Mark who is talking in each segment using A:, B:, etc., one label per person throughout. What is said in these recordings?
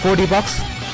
A: 4D Box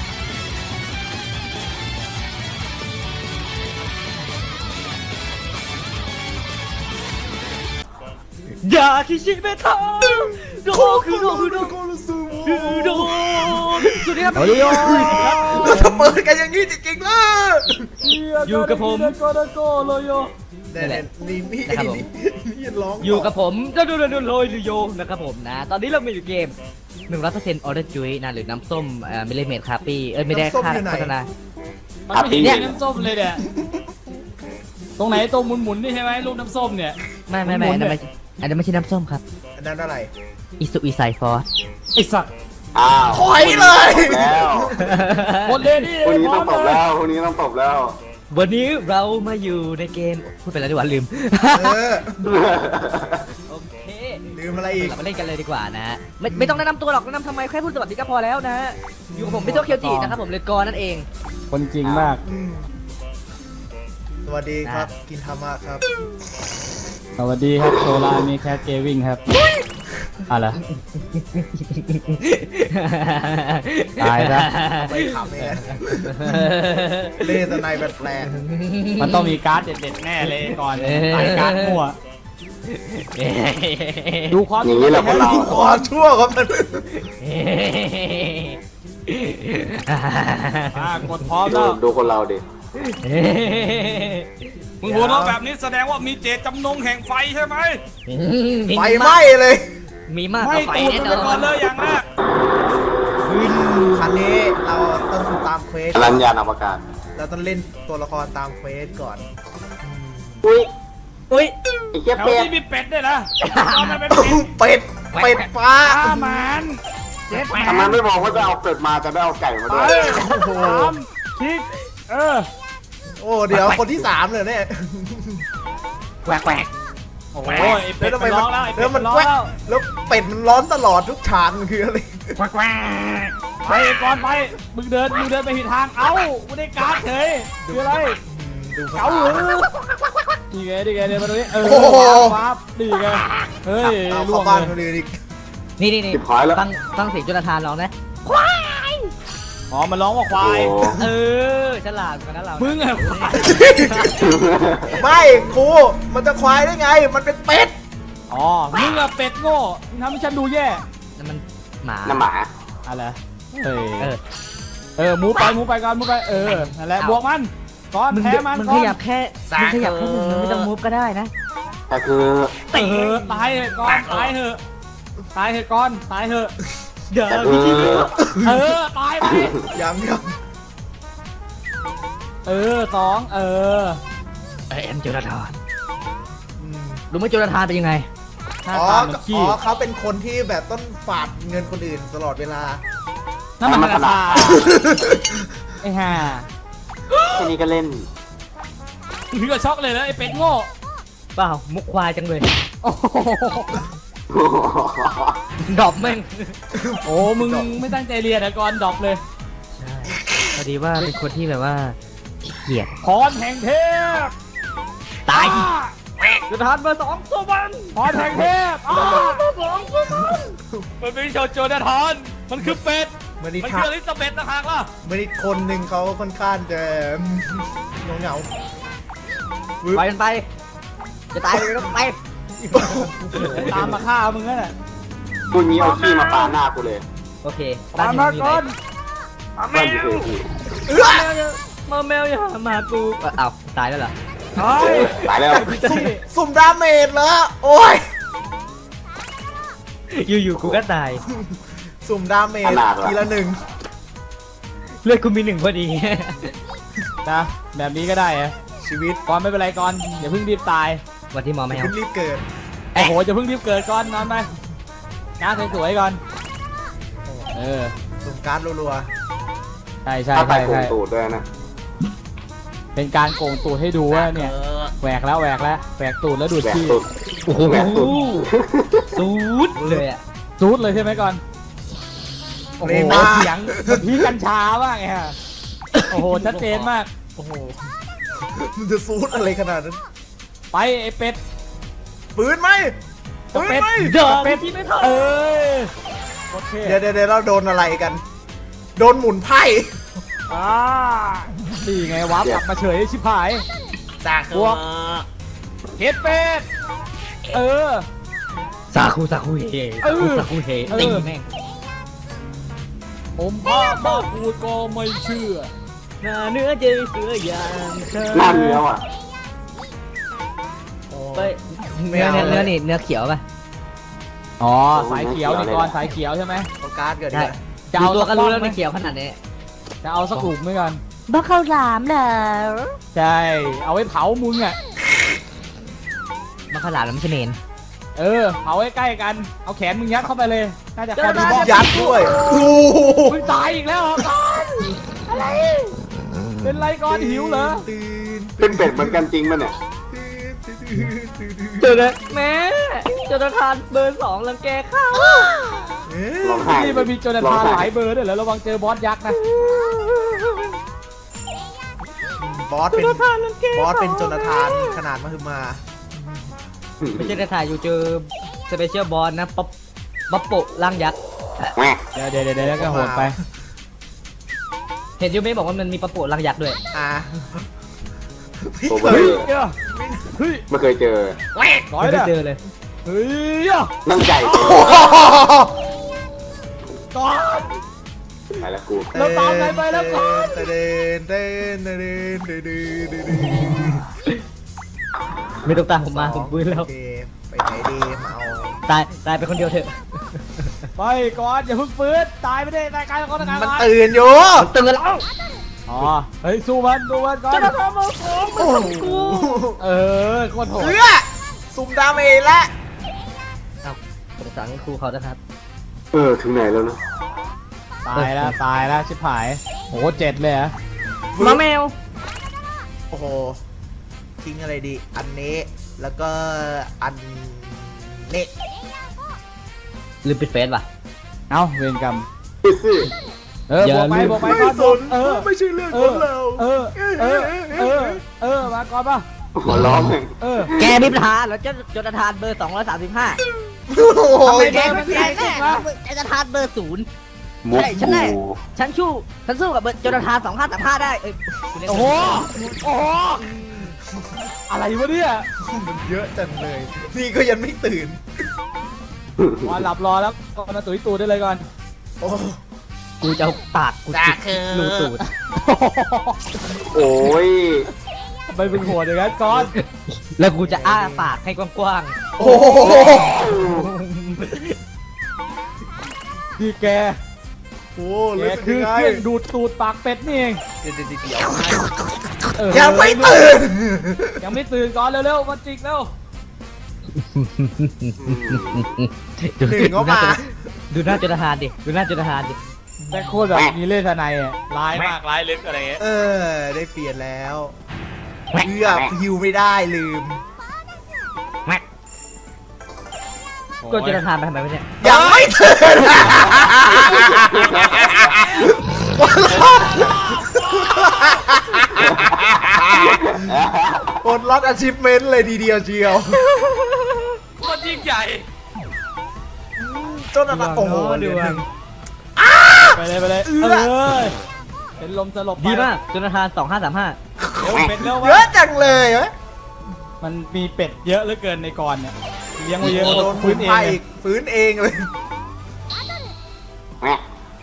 A: อย่าคิชิเมทาโดคือโดคือโดคือโดสวัสดีครับ
B: เราจะเปิดกันอย่างนี้จริงๆเลย
A: อยู่กับผม
B: นี่ร้อง
A: อยู่กับผมโดโรยโยนะครับผมนะตอนนี้เรามีอยู่เกม 100% Order Juice นะหรือน้ำส้มมิลลิเมตรคาปี้ไม่ได้ค่าโฆษณา
C: มันไม่เห็นมีน้ำส้มเลยเนี่ยตรงไหนตรงหมุนๆนี่ใช่ไหมลูกน้ำส้มเนี่ย
A: ไม่อันนั้นไม่ใช่น้ำส้มครับ
B: อันนั้นอะไร
A: อิสุอิไซฟอร์
C: ไอ้สัตว์
B: ถอยเลย
D: แล้ว
C: หมดเลยนี่
D: พรุ่งนี้
C: พร้
D: ต้
C: อ
D: อง
C: ม
D: ตบ
C: เลย
D: แล้วพรุ่งนี้ต้องตบแล้ว
A: วันนี้เรามาอยู่ในเกมพูดไปแล้วดีกว่าลืม โอเค
B: ลืมอะไรอีก
A: เรามาเล่นกันเลยดีกว่านะไม่ต้องแนะนำตัวหรอกแนะนำทำไมแค่พูดสวัสดีก็พอแล้วนะอยู่กับผมพิโตเคียวจินะครับผมเลยกรนั่นเอง
C: คนจริงมาก
B: สวัสดีครับกินธรรมะครับ
C: สวัสดีครับโซลามีแคทเกวิ่งครับอะไรตายซะ
B: ไม่ขำเองเล่สไนแบบแปลก
C: มันต้องมีการ์ดเด็ดๆแน่เลยก่อนตายการ์ดมั่วดูความ
D: อย่างนี้แหละพวกเรา
B: ขอชั่วครับมัน
C: กดพร้อมแล้ว
D: ดูคนเราดิ
C: มึงหัวเราะแบบนี้แสดงว่ามีเจตจำนงแห่งไฟใช่ไหม
B: ไฟไหม้เลย
A: มีมาก
C: ไม่
A: กว่าไฟ
C: ตูด
A: แน่
C: มัน
A: น
C: ไปก่
A: อ
C: อน
A: น
C: เลยอย่างแรก
B: คันนี้เราต้องตามเควส
D: รัญญาณอวกาศ
B: เราต้องเล่นตัวละครตามเควสก่อน
D: อุ้ย
A: อุ้ย
D: ไอ้เจี๊ยบ
C: แถว
D: เป็ด
C: นี้มีเป็ดด้วยนะเอามันเป็นเป็ด
B: เป็ดฟ้า
C: ฆ่ามันเจ็ดแหม
D: ทำไมไม่บอกว่าจะเอาเป็ดมาจะได้เอาไก่มา
C: ไป
D: ด้วย
C: สามคิก
B: โอ้เดี๋ยวคนที่3เลยเนี่ย
A: แหวก
C: โอ้ยไอ้เป็ดมันร้องแล้วไอ้เป็
B: แล้
C: ด
B: ว
C: มั
B: มัน น
C: ร้อง
B: แกวก
C: แล้ว
B: แล้วเป็ดมันร้อนตลอดทุกฉากมันคืออะไร
C: ไปก่อนไปมึงเดินไปผิดทางเอ้ากูได้การ์ดเฉยคืออะไร
B: ดูภา
C: เก๋า
B: ษา
C: หรือดีไงเดินมาตรงนี้ว้าบดีไงเฮ้ย
B: เอา
C: ล่ว
B: เข้าง บ้าน
C: เล
B: คน
C: ย
B: อื่นอีก
A: นี่
D: ติดหายแล้ว
A: ฟังเสียงจุลธานร้องนะ
C: อ๋อมันร้องว่าควาย
A: เออฉลาดกันนะเรา
C: มึงอะควาย
B: ไม่ครูมันจะควายได้ไง มันเป็นเป็ด
C: อ๋อมึงอะเป็ดโง่มึงทำให้ฉันดูแย่
A: นั่นมันหมา
D: น้ำหมา
C: อะไร
A: เออ
C: มูไปก่อนมูไปนั่นแหละบวกมันก่อน
A: มึง
C: แพ้มัน
A: มึง
C: ก่
A: ข
C: อน
A: ยับแค่มึงขยับแค่หนึ่งมึงไม่ต้องมูฟก็ได้นะ
D: แต่คือ
C: ตายเถอะก่อนตายเถอะก่อนตายเถอะ
A: เดี๋ยว
D: แต่คือ
C: ตายไป
B: ยัง
C: สอง
A: ไอแอมจุลธาน
B: อืม
A: รู้ไหมจุลธานเป็นยังไง
C: หน้า
B: อ๋อ
C: ตาเหมือนขี้
B: เขาเป็นคนที่แบบต้องฝาดเงินคนอื่นตลอดเวลา
C: นั่นมันขนาดไอ้ห่า
D: แค่นี้ก็เล่น
C: ถึงกับช็อกเลยนะไอ้เป็ดโง่
A: เปล่ามุกควายจังเลย
C: โอ้โห
A: ดรอปแม่ง
C: โอ้มึงไม่ตั้งใจเรียนนะก่อนดรอปเลย
A: ใช่พอดีว่าเป็นคนที่แบบว่าขี้เกียจ
C: พรแห่งเทพ
A: ตายจุลธานมาสองตัวมัน
C: พรแห่งเทพมันเป็นโจนาธานมันคือเป็ด
B: เมื่อนี้
C: มัน
B: ท่า
C: คืออลิซาเบธนะฮะล่ะ
B: เมื่อนี้คนหนึ่งเขาค่อนข้างจะเหงา
A: ไปกันไป จะตายเลยก็ไป
C: ตามมาฆ่ามึงนั่นแหละ
D: กูนี้เอาขี้มาปาหน้ากูเลย
A: โอเค
C: ตามมาก่อน
D: บ้านอยู่เฉย
A: มาแมวอย่ามากูอ้าวตายแล้วเหรอ
D: ๆตายแล้ว
B: สุ่มดาเมจเหรอโอ้ย
A: อยู่ๆกูก็ตาย
B: สุ่มดาเมจทีละ1
A: เลือดกูมี1พอดี
C: นะแบบนี้ก็ได้อะ
B: ชีวิต
C: ก่อนไม่เป็นไรก่อนอย่าเพิ่งรีบตาย
A: วันที่หมอแมว
B: เพิ่งรีบเกิด
C: โอ้โหจะเพิ่งรีบเกิดก่อนนอนไปงานสวยๆก่อน
B: สุ่มการ์ดรัว
C: ใช่
D: ถ้าตายโกงตูดด้วยนะ
C: เป็นการโกงตูดให้ดูว่าเนี่ยแหวกแล้วแหวกตูดแล้วดูด
D: แหวก
C: ขี้
D: ตูด
A: โอ้โห
D: แหวกตูด
A: ตูดเลยอ่ะ
C: ซูดเลยใช่ไหมก่อนโอ้โหเสียงพี่กัญชาว่างไงฮะโอ้โหชัดเจนมาก
B: โอ้โหมันจะซูดอะไรขนาดนั้น
C: ไปไอ้เป็ด
B: ปืนไหมปืนไหม
A: เดี๋ยว
C: เป็ด
A: ที่ไม่ทัน
C: เอ้ยโอเค
B: เดี๋ยวเราโดนอะไรกัน โโดนหมุนไพ่
C: นี่ไงวาร์ปกลับมาเฉยชิบหาย
B: จาก
C: บวก เฮ็ดเป็ดเออ
A: ซาคูเฮ
C: เออ
A: ซาคูเฮตีแม่ง
C: ผมพามาพูดก็ไม่เชื่อ
A: หน้าเนื้อเจอเสืออย่างเธอ
D: หน้าเนื้อว่ะ
A: เฮ้ยเนื้อนี่เนื้อเขียวป่ะ
C: อ๋อสายเขียวนี่ก่อนสายเขียวใช่ไหม
B: โอกาสเกิด
A: ใช่
B: เลย
C: จะ
A: ดู
C: เอา
A: ตัวก็รู้
C: สั
A: แล้ว
C: ก
A: ไม่เขียวขนาดนี้
C: จะเอาสักกลุ่มไหมกัน
A: บ้าข้าวหลามเหรอ
C: ใช่เอาไว้เผามึงอ่ะ
A: บ้าข้าวหลามแล้วไม่ใช่เมน
C: เออเผาใกล้ๆกันเอาแขนมึงยัดเข้าไปเลยน่าจะเข้าดีบอ
B: ยัดด้วยโอ้โห
C: มึงตายอีกแล้วเหรอก่อนอะไรเป็นไรก่อนหิวเหรอ
D: เป็นเป็ดเหมือนกันจริงมั้ยเนี่ย
A: เจอเลยแม่จนทานเบอร์2รังแกข้าว
D: ร้องไห้
C: นี่มันมีโจนาธานหลายเบอร์ด้วยเหรอระวังเจอบอสยักษ์นะ
B: บอสเป็นโจนาธานขนาดมหึมา
A: ไม่ใช่แต่ถ่ายอยู่เจอสเปเชียลบอลนะป๊อปโปะร่างยักษ์
D: แม่
C: เดี๋ยวก็โหดไป
A: เห็นยูเมะบอกว่ามันมีป๊อปโปะร่างยักษ์ด้วย
B: อ่ะ
D: โอเวอร์
C: เฮ้ย
D: ไม่เคยเจอ
C: ร้อย
A: ไม่
C: เด้อ
A: เจอเลย
C: เฮ้ย
D: นั่งใจ
C: ก่อน
D: ไปแล้วกู
C: เราตามไปแล้วก่อน
A: ไม่ต้องตามผมมาผมปืนแล้ว
B: ไปไหนดีมาเอา
A: ตายไปคนเดียวเถอะ
C: ไปก่อนอย่าเพิ่งฟื้นตายไม่ได้รายการก่อน
B: มันตื่นอยู่
A: เตือนแล้ว
C: อ๋อเฮ้ยสู้มันก่อน
A: จะทำมาผมมันทำกู
C: เออโคตรโหด
B: เพื่อซุ่มดาเมจแล้ว
A: ครับผมสั่งให้ครูเขานะครับ
D: ถึงไหนแล้วนะ
C: ตายแล้วชิบหายโห7เลยเหรอ
A: มาแมว
B: โอ้โหทิ้งอะไรดีอันนี้แล้วก็อันนี้
A: ลืมปิดเฟซว่ะ
C: เอ้าเวรกรรม
D: ซื่อ
C: บวกไปก่อน
B: ไม่ใช่เรื่องของเรา
C: มาก่อนป่ะ
D: หัวล้อมเลย
A: แกมีปัญหาแล้วจนทานเบอร์235
B: โอ้โห
C: ทำไม
A: แก
C: แก
A: มันแกแน่จะทานเบอร์0
D: มุก
A: ใช่ฉันได้
D: กู
A: ฉันสู้กับเบอร์จนทาน2535ได้คุณเล่น
C: โอ้โหอะไรวะเนี่ย
B: มันเยอะจังเลย นี่ก็ยังไม่ตื่น
C: มาหลับรอแล้วก่อนมาตุ๋ยตูดได้เลยก่อน
B: โอ้
A: กูจะเอาปากกูจิกรูตูด
D: โอ้ย
C: ไปเป็นหัวอย่างนั้นก่อน
A: แล้วกูจะอ้าปากให้กว้าง
B: โอ้โห
C: ที่แก
B: โอ้
C: แก
B: รู้สึก
C: คือ
B: ยังไง
C: เครื่องดูดตูดปากเป็ดนี่เอง
B: เดี๋ยว
C: ยัง
B: ไม่ตื่น
C: ยังไม่ตื่นก่อนเร็วๆมาจิกเร็ว
B: หนึ่งก็มา
A: ดูหน้าจนทานดิดูหน้าจนทานดิ
C: แต่โคตรแบบมีเล่ห์ทนายอ่ะร้ายมากร้ายลึกอะไรเงี้ย
B: ได้เปลี่ยนแล้วเพื่อฮิวไม่ได้ลืม
A: ก็จนทานไปทำไมวะเนี่ย
B: ยังไม่ตื่นปลดล็อกอาชีพเมนต์เลยทีเดียวเชียว
C: โคตรยิ่งใหญ่
B: จนอะไรโอ้โหเหลือหนึ่ง
C: ไปเลยเป็นลมสลบไป
A: ดีมากจนทาน2535
C: เร็วเป็ดเร็ว
B: เยอะจังเลยเว้ย
C: มันมีเป็ดเยอะเหลือเกินในกรเนี่ยเลี้ยงไว้เยอะ
B: โดน
C: ฟื้นเอง
B: อีกฟื้นเองเลย
D: แม่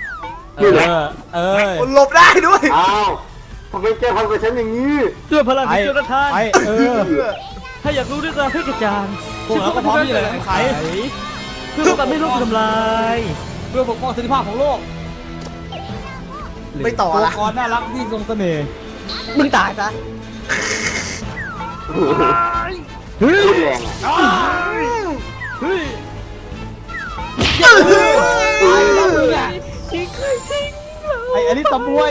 B: หลบได้ด้วย
D: อ้าวทำไมแกทำกับฉันอย่างนี้
A: ด้วยพลังของจนทาน
B: เพื่อ
A: ถ้าอยากรู้เรื่องราวให้กระจ่าง
C: พวกเราก็พร้อมที่จะไข
A: เพื่อป้องกันไม่โลกทำลาย
C: เพื่อปกป้องสันติภาพของโลก
B: ไม่ต่อ
C: ตัว
B: ละ
C: กรน่ารักที่ทรงเสน่ห์
A: มึงตายซะ
D: พูดแรงอ่ะ
C: เฮ้ย อันนี้ตะมวย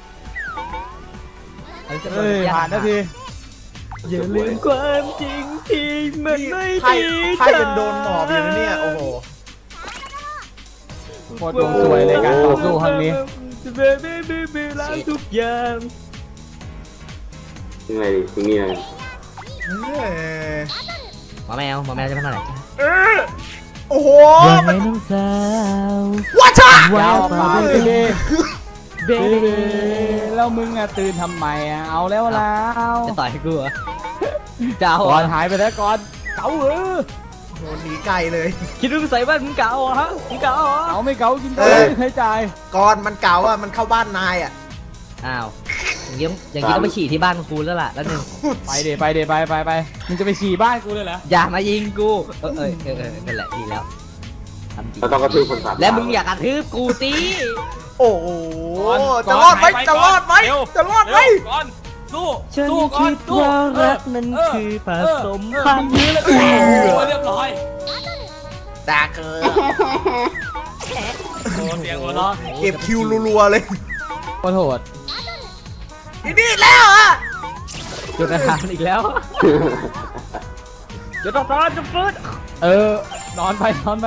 C: ผ่านนาที
A: อย่าลืมความจริงที่มันไม่
B: ไพ่
A: ดี
B: ไพ่เป็นโดนหมอบอยู่นะเนี่ย โอ้โห
C: โคตรดวงสวยเลยการต่อสู้ครั้งนี้
A: ล้างทุกอย่าง
D: ยังไงดิถึงนี่เลย
A: หมาแมวจะเป็นเท่าไหร่
B: โอ้โห
A: ยังไงน้องสาว
B: วัชชะ
C: ยาวไป
A: เบ
C: เบบีแล้วมึงอะตื่นทำไมอะเอาแล้ว
A: จะต่อยให้กูเหรอจะเอา
C: ก่อน
A: เหรอ
C: หายไปแล้วก่อนเก๋าเหรอ
B: โดนหนีไกลเลย
A: คิดว่ามึงใส่บ้านมึงเก่าเหรอฮะมึงเก่าเหรอ
C: เก๋าไม่เก๋ากินตัวไม่เคยจ่าย
B: ก่อนมันเก่าอ่ะมันเข้าบ้านนายอ่ะ
A: อ้าวอย่างนี้ต้องไปฉี่ที่บ้านคุณแล้วล่ะแล้วหนึ่ง
C: ไปเดไปมึงจะไปฉี่บ้านกูเลยเหรอ
A: อย่ามายิงกูนั่นแหละดีแล้วทำจริง
D: เราต้องกระทืบคนสาม
A: และมึงอยากกระทืบกูสิ
B: โอ้โหจะรอดไหมจะรอดไหมจะรอดไหม
C: ก่อนสู้
A: ฉัน
C: สู้ก่อ
A: คิ
C: น
A: ด
C: สู้
A: ว่ารักนั้นคือผสมพัน
C: มึง
A: ธุ์
C: ยื้อแล้วโอ้เรียบร้อย
B: ตาเกอ
C: โอ้เสียงหัวเราะ
B: เก็บคิวรัวๆเลย
C: ขอโทษ
B: นี่แล้วอ่ะ
A: จุดอาหารอีกแล้วจุดต่อจุดฟื้น
C: นอนไป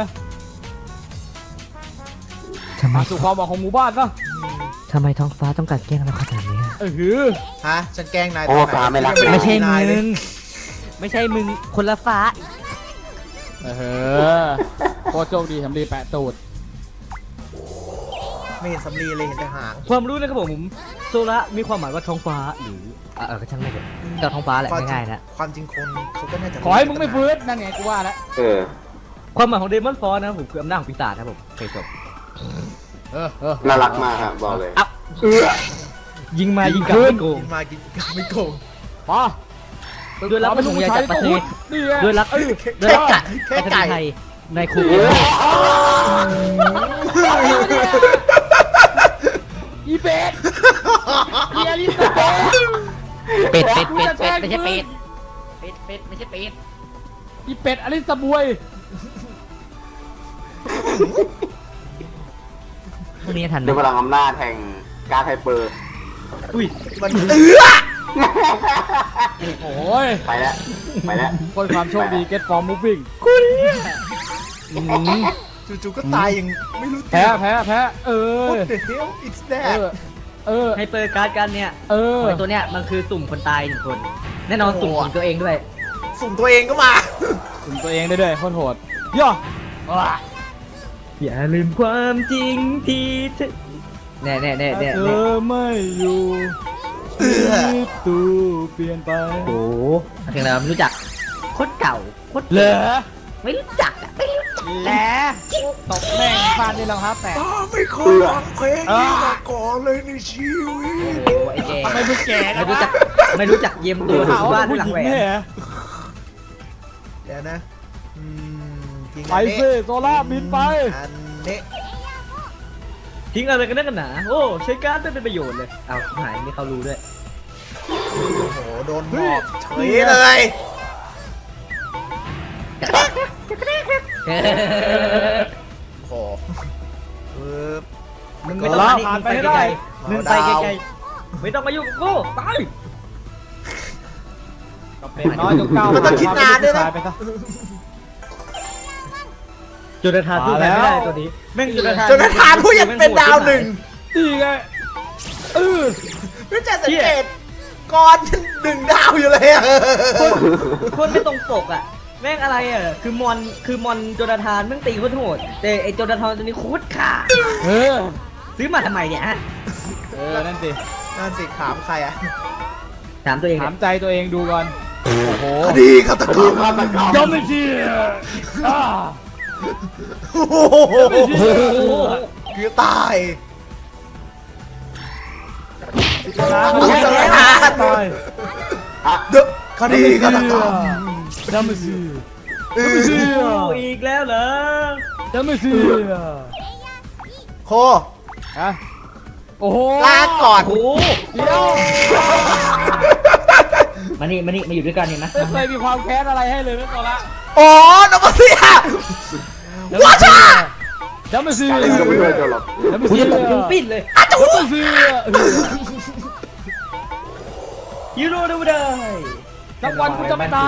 C: มาสู่ความหวังของหมู่บ้านซะ
A: ทำไมท้องฟ้าต้องการแกล้งเราขนาดนี้
B: ฮะฉันแกล้งนาย
D: โอ้ฟ้าไม่รัก
A: ไม่ใช่
B: นายเล
A: มึ
B: ย
A: งไม่ใช่มึงคนละฟ้า
C: โคตรโชคดีสำลีแปะตูด
B: ไม่เห็นสำลีเลยเห็นแต่หาง
A: ความรู้นะครับผมโซละมีความหมายว่าท้องฟ้าหรือก็ช่างไม่เถอะแต่ท้องฟ้าแหละง่ายๆนะ
B: ความจริงคนเขาก็น่าจะ
C: ขอให้มึงไม่ฟื้นนั่นไงกูว่าแล้ว
A: ความหมายของเดมอนฟอร์นะครับผมคืออำนาจของปีศาจครับผมเคยจบ
D: น่ารักมากครับบอกเลย
A: อ่ะยิงมายิงกลับไม่โกง
B: กินมากินไม่โกง
C: ป่ะ
A: ด้วยรักประสงค์ใหญ่จากประเทศด้วยรักด้วยรักกะประเทศไทยในคุก
C: อีเป็ดอีอลิสเป็ด
A: เป็ดไม่ใช่เป็ดไม่ใช่เป็ด
C: อีเป็ดอลิสบวย
A: พวกนี้ทันไหม
D: ด้วยพลังอำนาจแห่งการไฮเปอร์
A: อุ้ย
B: มัน
C: โอ้ย
D: ไปแล้ว
C: คนความโชคดี get for moving
B: จู่ๆก็ตายอย่างไม่รู้
C: แพ้
B: What the hell is that
A: ให้เปิดการ์ดกันเนี่ยไอตัวเนี้ยมันคือสุ่มคนตาย1 คน แน่นอนสุ่มของตัวเองด้วย
B: สุ่มตัวเองก็มา
C: ถึงตัวเองได้ด้วยโคตรโหดย่อ
A: อย่าลืมความจริงที่เธอแน่
C: เธอไม่อยู่ชีวิตตูเปลี่ยนไป
A: โอ้โหเพลงอะไรไม่รู้จักโคตรเก่าโคตร
C: เหรอ
A: ไม่รู้จักไม่รู้จัก
C: แหละตบแม่งฟาดด้วยรองเท้าแตะ
B: ไม่เคยฟังเพลงนี้มาก่อนเลยในชีวิต
A: โอ้ไอ้แก
C: ไม่รู้แก่นะ
A: ไม่รู้จักเยี่ยมตัว
C: ข่าว
A: บ้า
C: ว่าน ผู้
A: หลั
C: ห
A: ง
C: ญิง
A: แหวน
C: เนี่ย
B: เดี๋ยวนะจริง
C: ไปสิโซล่าบินไป
B: อันนี้
A: ทิ้งอะไรกันนักกันหนาโอ้ใช้การ์ดไม่เป็นประโยชน์เลยเอาหายไม่เขารู้ด้วย
B: โอ้โหโดนหมอบเฉยเลย โอ้โหปึ๊บ
A: มึงไม่ต้องมานี่มึงไปไกลๆมึงไปไกลๆไม่ต้องมายุ่งกับกูไป
C: เป็นน้อยจนเก้า
B: มันต้องคิดนานด้วยนะ
C: ไปซะ
A: จุดทานสู้ใครไม่ได้ตัวนี้แม่งจุดทาน
B: จนกระทั่งผู้ยังเป็นดาว1
C: ดีไง
B: ไม่จะสังเกตก่อน1 ดาวอยู่เลยอะ
A: คนไม่ตรงปกอ่ะแม่งอะไรอ่ะคือมอนโจนาธานแม่งตีโคตรโหดแต่ไอโจนาธานตัวนี้โคตรขา ซื้อมาทำไมเนี่ยฮะ
C: นั่นสิ
B: นั่นสิถามใครอะ
A: ถามตัวเอง
C: ถามใจตัวเองดูก่อนโอ้โห
B: คดีฆาตกรรม
C: ยอมไม่เชื่อ
B: โอ้โหคือตาย
C: ตาย
B: เดอะคดีฆาตกรรม
C: ยอมไม่เชื่อไม่เชื่อ
A: อีกแล้วเหรอย
C: อมไม่เชื่อ
B: โค
C: ฮะโอ้โห
B: ลาก่อน
A: โอ้
C: เดี๋ยว
A: มานี่มาอยู่ด้วยกันเห็นไหม
C: ไม่เคยมีความแค้นอะไรให้เลยนะตัวละ
B: อ๋อนกเสียว้าช่าย
C: อมไม่เชื่อ
D: อะไรก็ไม่ช่วยเจ้าหรอก
C: ยอมไม่
A: กู
C: เชื่อ
A: จะตบยุงปิ้นเลย
C: ยอมไม่เชื่อ
A: ยูโรดูได้
C: สักวันกูจะไม่ตาย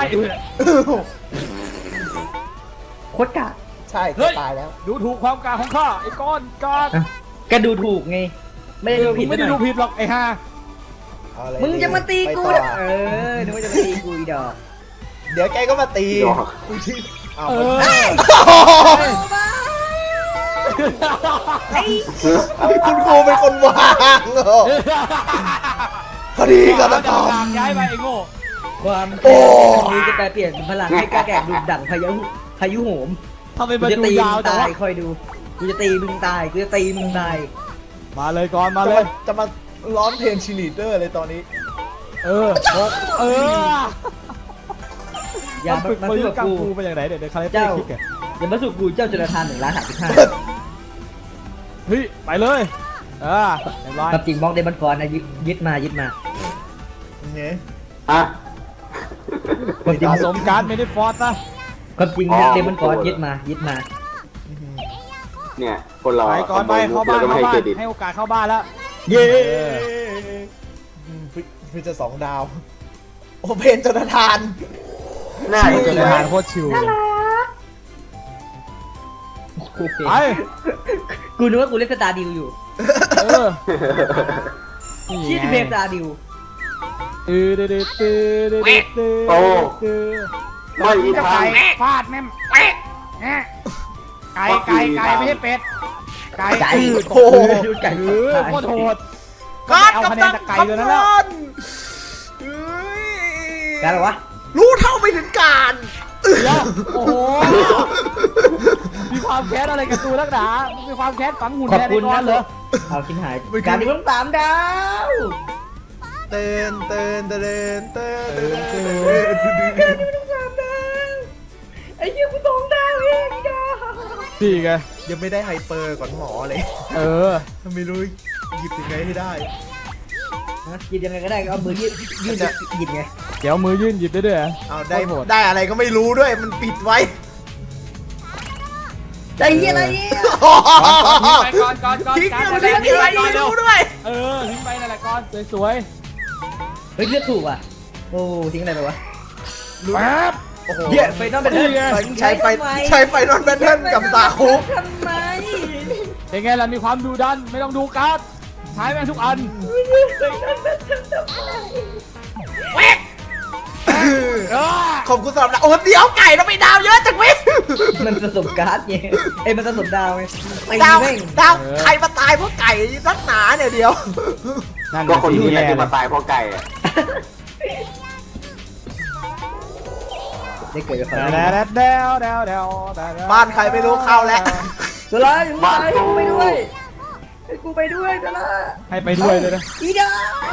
A: โคตรกะ
B: ใช่จะตายแล้ว
C: ดูถูกความกล้าของข้าไอ้ก้อนกา
A: ก็ดูถูกไงไม่ได้ดูผิด
C: ไม่ได้ดูผิดหรอกไอ้ห่า
B: เอาอะไร
A: มึงจะมาตี
B: ไป
A: กู
B: ต่อ
A: เนี่ยนึกว่าจะมาตีกูอีดอก
B: เดี๋ยวแกก็มาตีกูที่เอา
C: เอ
B: มัน
C: อ
B: คุณครูเป็นคนวางเหรอคดีฆาตกรรม
C: ย้ายไปไอ้โง่
A: ความ
B: โอ้
A: แค้นนี้จะแปลเปลี่ยนเป็นพลังให้กล้าแก่งดุดั่งพายุโหม
C: ทำไม
A: กู
C: มัน
A: จะ
C: ดู
A: ตี
C: ยาว
A: มึง
C: จังะ
A: ตายวคอยดูกูจะตีมึงตายกูจะตีมึงตาย
C: มาเลยก่อนมาเลย
B: จะมาร้องเพลงชีลีดเดอร์เลยตอนนี้
C: เออเออ
A: อย่า
C: มันฝึก
A: มา
C: มา
A: สู้
C: ยุ
A: กับ
C: กัง
A: กู
C: ฟูเป็นอย่างไรเดี๋ยวคาแรคเตอ
A: เจ้า
C: ร์คิกอะ
A: อย่ามาสู้กูเจ้าจุลธาน1,35,000
C: เฮ้ยไปเลยเรียบร้อย
A: กับจริงมองเดมอนฟอนนะยึดมา
B: เนี่ย
D: ฮะ
A: ความจริง
C: สะสมการ์ดไม่ได้ฟอร์สนะ
A: ความจริงเดมอนฟอนยึดมา
D: เนี่ยคนเรา
C: ไปก่อนไปเข้าบ้าน
D: ก็ไม่
C: เข้า
D: ให้
C: บ้า
D: เคน รดิต
C: ให้โอกาสเข้าบ้านแล้ว
A: เย้
B: คือจะ2 ดาว โอเพนจนทาน
D: น่า
C: ชิว
D: จะ
C: จนอาหารโคตรชิวเลย
A: โอเค
C: ไป
A: กูนึกว่ากูเล่นสตาร์ดิวอยู่
C: เออ
A: ชื่อเพลงสตาร์ดิว
D: ไม่มีทาง
C: ฟาดแม่มไก่ไม่ใช่เป็ดไก่
A: ไก่
B: โอ้โห
A: ดูไก่
C: เออโคตรโหด
B: การ
C: เอา
B: กับ
C: คะแน
B: ตั
C: น
B: น
C: จากไก่
B: คำ
C: ตัวนั้น
B: น
C: แล้ว
B: อน
A: การอะไรวะ
B: รู้เท่าไม่ถึงการ
C: เดี๋ยวโอ้โหมีความแค้นอะไรกับตัวนักหนามีความแค้นฝังหุ่น
A: ขอบ
C: แทน
A: คุณ
C: ไอ้ก้อ
A: นะ
C: น
A: เห
C: เห
A: ร
C: ร
A: อ
C: อ
A: เอาชิ้นหายการดิวต้อง3 ดาว
B: เตือนเตือนเตือนเตือน
A: การดิวต้อง3 ดาวไอ้เหี้ยกู2 ดาวเองจ้า
C: สี่ไง
B: ยังไม่ได้ไฮเปอร์ก่อนหมอเลย
C: เออ
B: ไม่รู้หยิบยังไงให้ได้
A: หยิบยังไงก็ได้ก็เอามือยื่นหยิบไง
C: เดี๋ยวมือยื่นหยิบได้ด้วยเหรอ
B: เอาได้
C: โคตรโหด
B: ได้อะไรก็ไม่รู้ด้วยมันปิดไว้
A: ไอ้เหี้ยอะไรเนี่ย
C: ก่อน
B: ทิ้ง
C: การ
B: มัน
C: แสด
B: ทิ้
C: ง
B: ง
C: ทิ้ง
B: ไป
C: ไปก่อนเร็ว
B: ไม่รู้ด้วย
C: เออทิ้งไปนั่นแหละก่อนสวย
A: เฮ้ยเลือกถูกอ่ะโอ้ทิ้งอะไรไปวะ
C: ๆแป๊บ
B: โอ้โห
A: เหี้ยไฟนอลเป็น
C: นี่ไง
B: ใช้ไฟนอนแบทเทิลกับสาคุ
A: ทำไม
C: เป็นไงล่ะมีความดุดันไม่ต้องดูการ์ดใช้แม่งทุกอัน
B: ขอบคุณสำหรับโอ้เดี๋ยวไก่เราไปดาวเยอะจังเว้ย
A: มันผสมการ์ดไงเอ้ยมันผสมดาวไงไอ้
B: ดาว
A: แม่ง
B: ดาวใครมาตายเพราะไก่นักหนาเนี่ยเดียว
C: นั่น
D: ก็คน
C: ที่
D: นี้แหละ
C: แย่
D: ที่มาตายเพราะไก่อะ
A: ได้เกิดกับไฟ
C: แดว
B: บ้านใครไม่รู้เข้าแล้ว
A: ตัวละอยู่ไหนกูไปด้วยให้กูไปด้วยตัวละ
C: ให้ไปด้วยเลยนะ
A: อีดา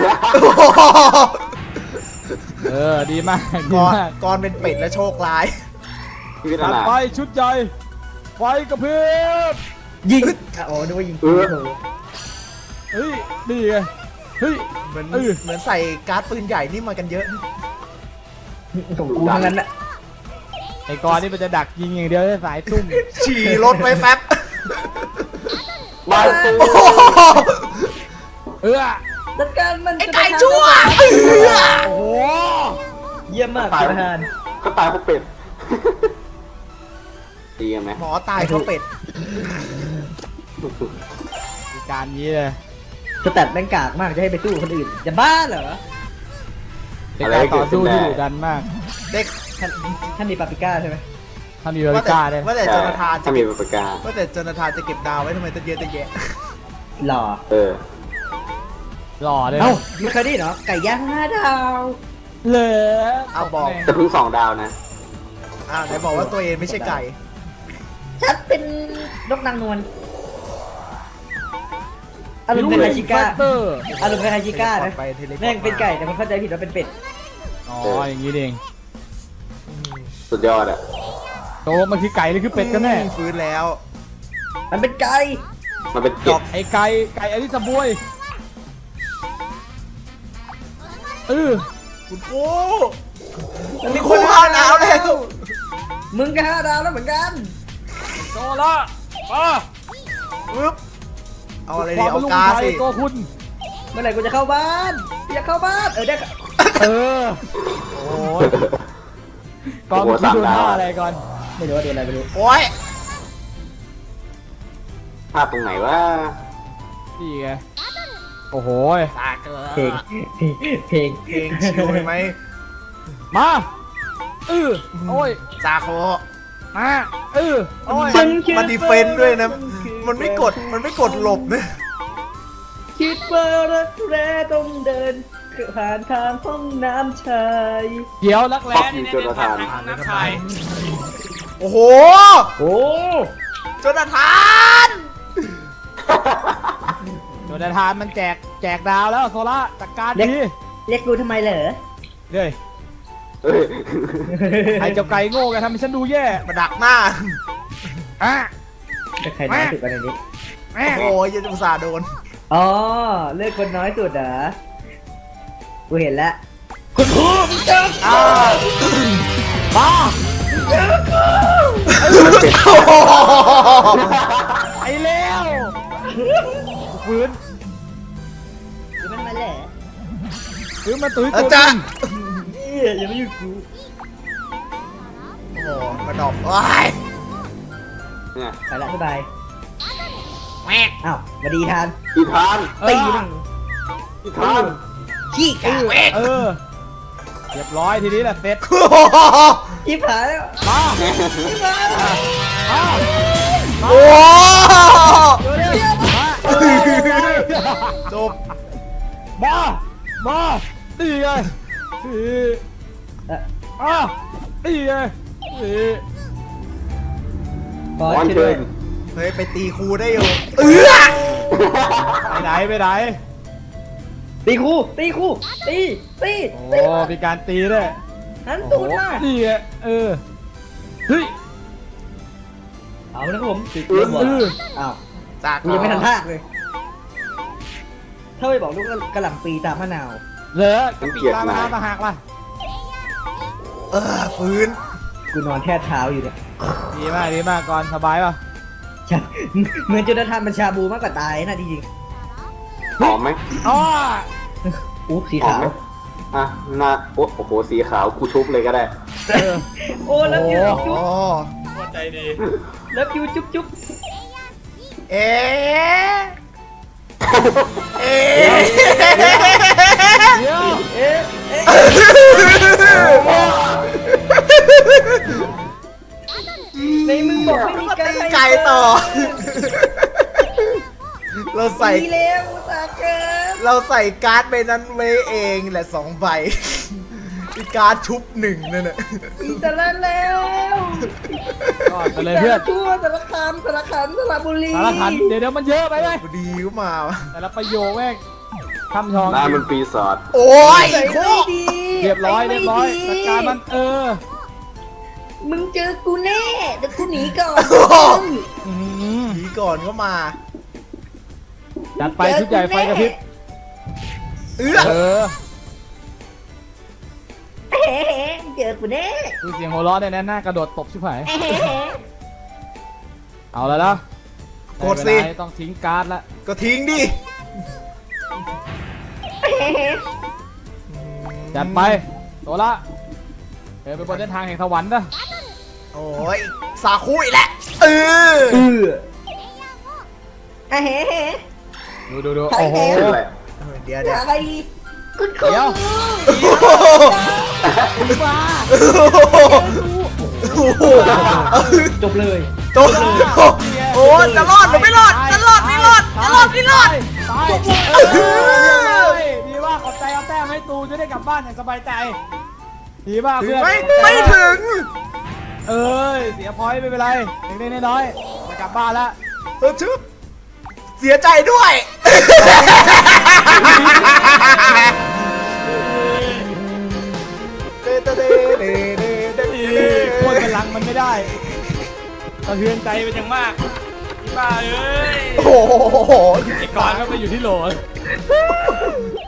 C: เออดีมากดี
B: ก่อน
C: มาก
B: ก่อนเป็นเป็ดและโชคร้าย
D: ชีวิต
C: ตั
D: อะ
C: ด
D: ไร
C: ไฟชุดใหญ่ไฟกระพริบ
A: ยิงอ๋อนึกว่ายิงโอ้โห
C: เฮ้ยนี่ไงเฮ้ย
B: เหมือน
C: เออ
B: เหมือนใส่การ์ดปืนใหญ่นี่มากันเยอะ
A: ของกูทั้งนั้นแหละ
C: ไอ้กอนนี่มันจะดักยิงอย่างเดียวเลยสายซุ่ม
B: ฉี่รถไว้แป๊บ
D: บ้านกู
B: โอ้โห
C: เออ
A: จัดการมัน
B: ไอ้ไก่ชั่ว
C: โอ้โห
A: เยี่ยมมากประธาน
D: ก็ตายเพราะเป็ดดีกันไหม
B: หมอตายเพราะเป็ด
C: มีการนี้เลย
A: สแตทแม่งกากมากจะให้ไปสู้คนอื่นจะบ้าเหรอ
C: เป็นการต่อสู้ที่ดุดันมาก
B: เด็ก
A: ท่านมีปาปริก้าใช่ไหม
C: ถ้ามีบริการเลย
B: ว่าแต่โจนาธานจะ
D: ถ้ามี
B: เก็บ
D: ประกาศ
B: ว่าแต่โจนาธานจะเก็บดาวไว้ทำไมตั้งเยอะตั้งแยะ
A: หล่อ
D: เออ
C: หล่อเลย
A: เอ้าไม่เคยได้เหรอไก่ย่าง5 ดาว
C: เลย
B: เอาบอก
D: จะเพิ่ง2 ดาวนะ
B: ไหนบอกว่าตัวเองไม่ใช่ไก่
A: ฉันเป็นนกนางนวลอารมณ์เป็นไฮชิก้า
C: เตอร์
A: อารมณ์เป็นไฮชิก้านะ
B: ไปเทเลพอร์ต
A: แม่งเป็นไก่แต่มันเข้าใจผิดว่าเป็นเป็ด
C: อ๋ออย่างนี้เอง
D: สุดยอดอะ
C: โตมันคือไก่หรือคือเป็ดกันแน่
B: ฟื้นแล้ว
A: มันเป็นไก่
D: มันเป็นเก็บ
C: ไอ้ไก่อลิซาบวย
B: คุณครู
A: มันมี
B: ครูข้าวหนาวแล้ว
A: มึงก็5 ดาวแล้วเหมือนกัน
C: โตละมา
B: ปึ๊บเอาอะไร
C: ค
B: ดี
C: วาม
B: เอา
C: เป็นลูก
B: กา
C: ชาย
B: สิ
C: ตัวคุณ
A: เมื่อไหร่กูจะเข้าบ้านอยากเข้าบ้านได้
C: เออโอ้ยก่อนเมื่อกี้โดนท่าอะไรก่อน
A: ไม่รู้ว่าโดนอะไรไม่รู้
B: โอ้ย
D: ภาพตรงไหนวะ
C: นี่ไงโอ้โห
A: เพลงเพลง
B: เพลงชิวไหม
C: มาโอ้ย
B: ซาโค
C: มาโอ้ย
B: มันดีเฟนต์ด้วยนะ
A: คือ
B: มันไม่กดหลบนะ
A: คิดว่ารักแร้ต้องเดินผ่านทางห้องน้ำชาย
C: เดี๋ยวรักแร้
D: นี่
C: นี่
D: เนี่ยเนี่ยผ่านทาง
C: ห้องน้ำชาย
B: โอ้โห
A: โอ้
B: โจนาธาน
C: โดนทานมันแจกดาวแล้วโซล่าจัดการดี
A: เรียกกูทำไมเหรอ
C: เลย
D: เฮ้ย
C: ไอ้เจ้าไก่โง่แกทำให้ฉันดูแย่
B: มาดักหน้า
C: อ่ะ
A: จะใครน้อยสุดกันในนี้
C: แม่
B: โอ้ยยังอุตส่าห์โดน
A: อ๋อเลือกคนน้อยสุดเหรอกูเห็นแล้วคุณครูมึงเจอ
C: อ่าบ้า ไอ้เลวฟื้น
A: คือมันมาเหรอ
C: ฟื้นมาตุ้ย
B: อา
C: ตัว
B: จารย์
A: อย่ามาอยู่กู
B: โอ้โหมาดอกว้าย
D: เนี่ย
A: ไปละสบายอ้าวมาดีทาน
D: อีทาน
A: ตีมั่ง
D: อีทาน
A: ขี้กา
C: เออเรียบร้อยทีนี้แหละเสร็จ
B: โอ้โห
A: ขี้ผายแล้ว
C: มา
A: ขี้ผายแล้ว
C: มา
B: โอ้โห จบ
C: มาตีไงตีไง
A: บอส
D: บอล
A: ช่วย
D: เชิ
A: ด้วย
D: ญ
B: เฮ้ย ไปตีครูได้อยู่
C: ไปไหนไปไหน
A: ตีครูตีครูตีตี
C: โอ้มีการตีด้วย
A: หันตูดมา
C: นี่ไงเออเฮ้ย
A: เอานะครับผมติด
C: เอ
A: เรื่องหัว
C: อ
A: อ้าว
B: จาก
A: กูยังไม่ทันพากเลยถ้าไปบอกลูกกระหล่ำปีตามมะนาว
C: เหรอกระปิตามมาตาหักล่ะ
B: ฟื้น
A: กูนอนแทบเท้าอยู่เนี่ย
C: ดีมากก่อนสบายป่ะ
A: ใช่เหมือนจุดทานบัญชาบูมากกว่าตายนะจริง
D: หอมไหม
C: อ๋อ
A: ๆอุ๊บสี
D: หอม
A: ขาว
D: ไหมอ่ะหน้าโอ้โหสีขาวกูชุบเลยก็ได้
C: เออ
A: โอ้แล้วยู
B: อ๋
A: จุ๊บ
B: อ
C: ใจดี
A: แล้วยูจุ๊บจุ๊บ
B: เอ๊ะเอ๊ะ
C: เดี๋ยว
A: เอ๊ะเอ๊ะในมึงบอกไม่มี
B: ตีไก่ต่อ เราใส่
A: ดีแล้วอุตส่าห์เกิน
B: เราใส่การ์ดใบนั้นไว้เองแหละ2 ใบมีการ์ดชุบ1นั่นน่ะ
A: อิสระแล้ว
C: ก่อนไปเลยเพื่อน
A: ทั่วสารคามสระบุรี
C: สารพันเดี๋ยวมันเยอะไปไหม
B: พอดีก็มาวะ
C: แต่ละประโยคแม่งทำทอง
D: หน้ามันปีศาจ
B: โอ้ย
A: ใส่
B: โค
A: ไม่ดี
C: เรียบร้อย
A: ไม่
C: จัดการมัน
A: มึงเจอกูแน่เดี๋ยวกูหนีก่อน
C: อื้อหือ
B: หนีก่อนก็มา
C: จัดไปชุดใหญ่ไฟกระพริบ
B: เอื้อ
C: เออ
A: เฮ้เจอกูแน่
C: ดูเสียงหัวเราะเนี่ยนะหน้ากระโดดตบชิบหายเอาแล้วนะ
B: กดสิ
C: ไม่เป็นไรต้องทิ้งการ์ดละ
B: ก็ทิ้งดิ
C: จัดไปตัวละเดินไปบนเส้นทางแห่งสวรรค์นะ
B: โอ้ยสาคุอีกแหละเออ
C: ดูโอ้โห
D: เป็นไร
B: เดี๋ยว
A: อะไรคุณครู
C: เดี๋ยว มา
B: โอ้โห
A: จบเลย
B: โตโอ้จะรอดหรือไม่รอดจะรอดไม่รอดจะรอดไม่รอด
C: ตายดีมากขอบใจเอาแต้มให้ตูจะได้กลับบ้านอย่างสบายใจดีมาก
B: ถึง
C: เพื่อน
B: ไม่ถึง
C: เอ้ยเสียพอยต์ไม่เป็นไรเล็กๆน้อยๆจะกลับบ้านแล้ว
B: ชึบเสียใจด้วย
C: โคตรพลังมันไม่ได้สะเทือนใจเป็นอย่างมากพี่บ้าเอ้ย
B: โอ้โห
C: ไอ้กอนก็ไปอยู่ที่โหล